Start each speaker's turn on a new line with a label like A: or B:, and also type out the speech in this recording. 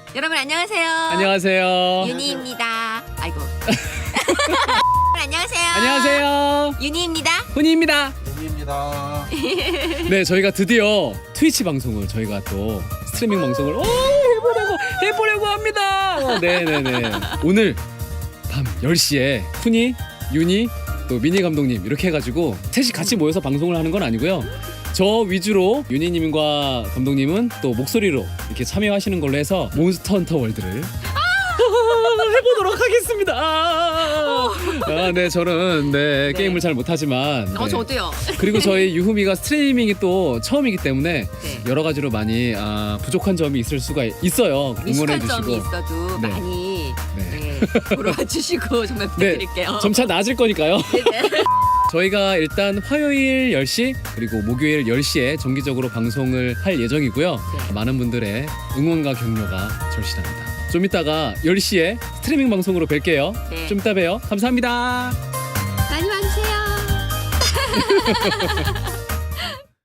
A: 여러분 안녕하세요.
B: 안녕하세요.
A: 윤희입니다. 아이고. 안녕하세요.
B: 안녕하세요.
A: 윤희입니다.
B: 훈이입니다.
C: 입니다.
B: 네, 저희가 드디어 트위치 방송을 저희가 또 스트리밍 방송을 해보려고 합니다. 네네네. 오늘 밤 10시에 훈이, 윤이, 또 미니 감독님 이렇게 해가지고 셋이 같이 모여서 방송을 하는 건 아니고요. 저 위주로 윤희님과 감독님은 또 목소리로 이렇게 참여하시는 걸로 해서 몬스터 헌터 월드를 해보도록 하겠습니다. 네, 저는
A: 네.
B: 게임을 잘 못하지만 네.
A: 저도요.
B: 그리고 저희 유후미가 스트리밍이 또 처음이기 때문에
A: 네.
B: 여러 가지로 많이 부족한 점이 있을 수가 있어요. 응원해
A: 미숙한 점이
B: 주시고
A: 있어도
B: 네.
A: 많이
B: 네.
A: 보러 와주시고 정말 부탁드릴게요.
B: 점차 나아질 거니까요.
A: 네네.
B: 저희가 일단 화요일 10시 그리고 목요일 10시에 정기적으로 방송을 할 예정이고요.
A: 네.
B: 많은 분들의 응원과 격려가 절실합니다. 좀 이따가 10시에 스트리밍 방송으로 뵐게요.
A: 네.
B: 좀 이따 봬요. 감사합니다.
A: 많이 와주세요.